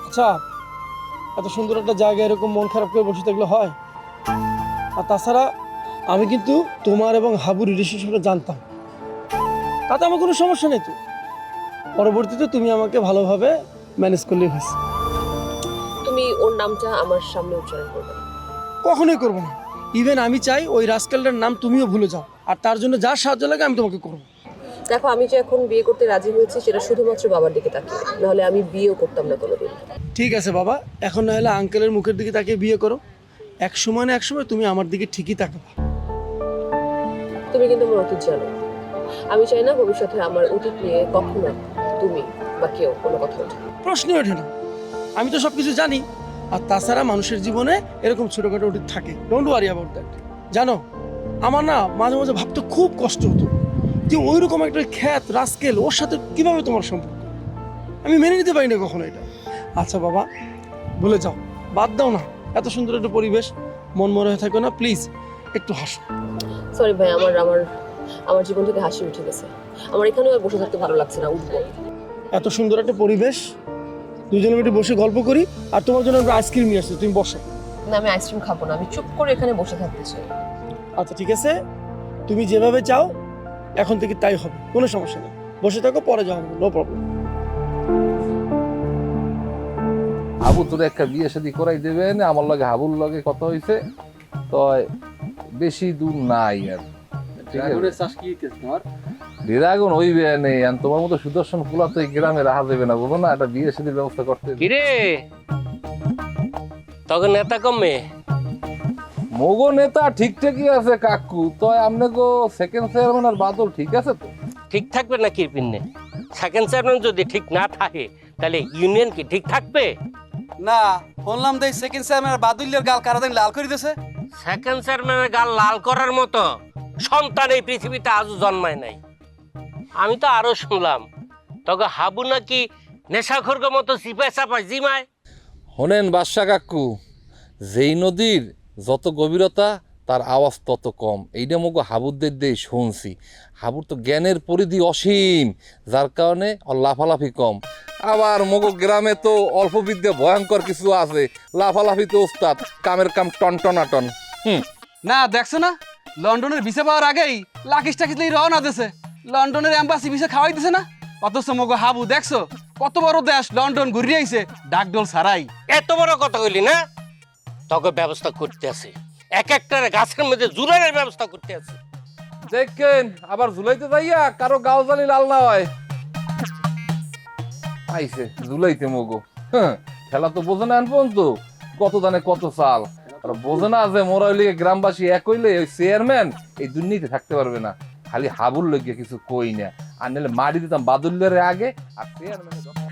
আচ্ছা, এত সুন্দর একটা জায়গা এরকম মন খারাপ করে বসে থাকলে হয়? আর তাছাড়া আমি কিন্তু তোমার এবং হাবুর রিলেশনশিপটা জানতাম, তাতে আমার কোনো সমস্যা নেই। তো পরবর্তীতে তুমি আমাকে ভালোভাবে ম্যানেজ করলেই হয়েছে। তুমি ওর নামটা আমার সামনে উচ্চারণ করবে না। কখনোই করবো না। ইভেন আমি চাই ওই রাস্কেলটার নাম তুমিও ভুলে যাও, আর তার জন্য যা সাহায্য লাগে আমি তোমাকে করবো। দেখো, আমি যে এখন বিয়ে করতে রাজি হয়েছি সেটা শুধুমাত্র বাবার দিকে তাকিয়ে, নাহলে আমি বিয়েও করতাম না কোনোদিন। ঠিক আছে বাবা, এখন না হলে আঙ্কেলের মুখের দিকে তাকিয়ে বিয়ে করো। এক সময় না এক সময় তুমি আমার দিকে ঠিকই তাকাবা। তুমি কিন্তু আমার অতীত জানো। আমি চাই না ভবিষ্যতে আমার অতীত নিয়ে কখনো তুমি বা কেউ কোনো কথা ওঠে। প্রশ্নই ওঠে না, আমি তো সব কিছু জানি। আর তাছাড়া মানুষের জীবনে এরকম ছোটোখাটো অতীত থাকে, ডোন্ট ওয়ারি অ্যাবাউট দ্যাট। জানো, আমার না মাঝে মাঝে ভাবতে খুব কষ্ট হতো যে ওই রকম একটা খ্যাত রাস্কেল, ওর সাথে কিভাবে তোমার সম্পর্ক। আমি মেনে নিতে পারি না কখনো এটা। আচ্ছা বাবা, ভুলে যাও, বাদ দাও না। এত সুন্দর একটা পরিবেশ, মন মনে হয়ে থাকো না, প্লিজ একটু হাসো। সরি ভাই, আমার আমার আমার জীবন থেকে হাসি উঠে গেছে। আমার এখানেও আর বসে থাকতে ভালো লাগছে না, উঠবো। এত সুন্দর একটা পরিবেশ, দুজনে মিলে বসে গল্প করি। আর তোমার জন্য আমরা আইসক্রিম নিয়ে আসছি, তুমি বসো। না, আমি আইসক্রিম খাবো না, আমি চুপ করে এখানে বসে থাকতে চাই। আচ্ছা ঠিক আছে, তুমি যেভাবে চাও এখন থেকে তাই হবে, কোনো সমস্যা নেই। বসে থাকো, পরে যাও, নো প্রবলেম। হাবু তোর একটা বিয়ে শাদী করাই দেবেন, আমার লগে হাবুর লগে কথা হয়েছে তো, বেশি দূর নাই আর। ড্রাগন হইবে নেই, আর তোমার মতো সুদর্শন ফুলা তো এই গ্রামে রাখা যাবে না, বলো না, একটা বিয়ে শাদীর ব্যবস্থা করতে। কিরে তখন নেতা কমে মগো নেতা ঠিকঠাকই আছে কাকু, তো আমনে গো সেকেন্ড চেয়ারম্যান আর বাদল ঠিক আছে তো? ঠিক থাকবে না কি পিন্নে? সেকেন্ড চেয়ারম্যান যদি ঠিক না থাকে তাহলে ইউনিয়ন কি ঠিক থাকবে? না, শুনলাম দেই সেকেন্ড চেয়ারম্যান বাদুল্যের গাল কারাদিন লাল করে দিয়েছে। সেকেন্ড চেয়ারম্যানের গাল লাল করার মতো সন্তান এই পৃথিবীতে আজও জন্মায় নাই। আমি তো আরো শুনলাম তবে হাবু নাকি নেশাখোরগো মতো চিপায় চাপায় জিমায়। শোনেন বাদশা কাকু, যেই নদীর যত গভীরতা তার আওয়াজ তত কম, এইটা মগো হাবুদের দিয়ে শুনছি। হাবুর তো জ্ঞানের পরিধি অসীম, যার কারণে ওর লাফালাফি কম। আবার মগো গ্রামে তো অল্প বিদ্যা ভয়ঙ্কর কিছু আছে, লাফালাফি তো ওস্তাদ, কামের কাম টনটনাটন। না দেখছো না, লন্ডনের ভিসা পাওয়ার আগেই লাকিস টাকিস রওনা দিয়েছে, লন্ডনের এম্বাসি ভিসা খাওয়াই দিছে না। অথচ মগো হাবু দেখছো কত বড় দেশ, লন্ডন ঘুরিয়ে আইছে ডাকডোল ছাড়াই। এত বড় কথা কইলি না? তোকে ব্যবস্থা করতে আছে, এক একটা গাছের মধ্যে জুলাইয়ের ব্যবস্থা করতে আছে। দেখেন আবার ঝুলাইতে যাইয়া কারো গাও জালি লাল না হয়। আইছে ঝুলাইতে মগো, খেলা তো বোঝে না আনপন তো, কত দানে কত চাল। আর বোঝে না যে মোরা হইলে গ্রামবাসী এক হইলে ওই চেয়ারম্যান এই দুর্নীতি থাকতে পারবে না। খালি হাবুর লইগে কিছু কই না, আর নাহলে মারি দিতাম বাদুল্যের আগে আর চেয়ারম্যান।